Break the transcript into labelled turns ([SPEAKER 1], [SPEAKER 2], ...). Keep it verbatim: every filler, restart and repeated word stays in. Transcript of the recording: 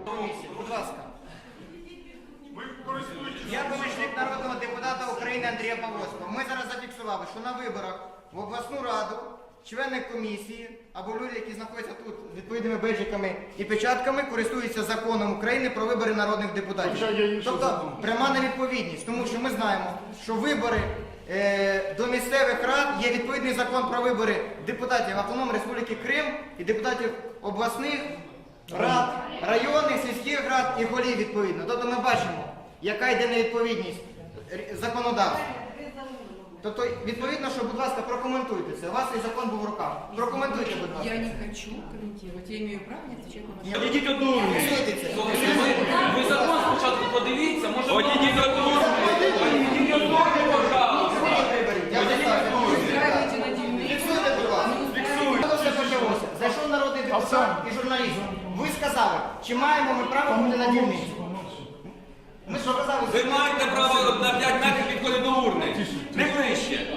[SPEAKER 1] Будь ласка. Я помічник народного депутата України Андрія Павловського. Ми зараз зафіксували, що на виборах в обласну раду члени комісії або люди, які знаходяться тут з відповідними бейджиками і печатками, користуються законом України про вибори народних депутатів. Тобто пряма невідповідність, тому що ми знаємо, що вибори е, до місцевих рад є відповідний закон про вибори депутатів Автономної Республіки Крим і депутатів обласних рад, районних, сільських рад і голів відповідно. Тобто ми бачимо, яка йде невідповідність законодавства. Тобто, відповідно, що, будь ласка, прокоментуйте це. У вас цей закон був в руках. Прокоментуйте, будь ласка.
[SPEAKER 2] Я не хочу комментировать. Я имею право не отвечать на ваши
[SPEAKER 3] Одійдіть одну.
[SPEAKER 4] Ви закон спочатку подивіться, може... Одійдіть одну. Одійдіть одну, пожалуйста.
[SPEAKER 2] Устраивайте на дельные.
[SPEAKER 1] Фіксуйте, будь ласка. Фіксуйте. Коли все почалося? Зайшов народний депутат і журналіст. Ви сказали, чи маємо ми право бути на дільниці? Ми що казали?
[SPEAKER 4] Ви маєте право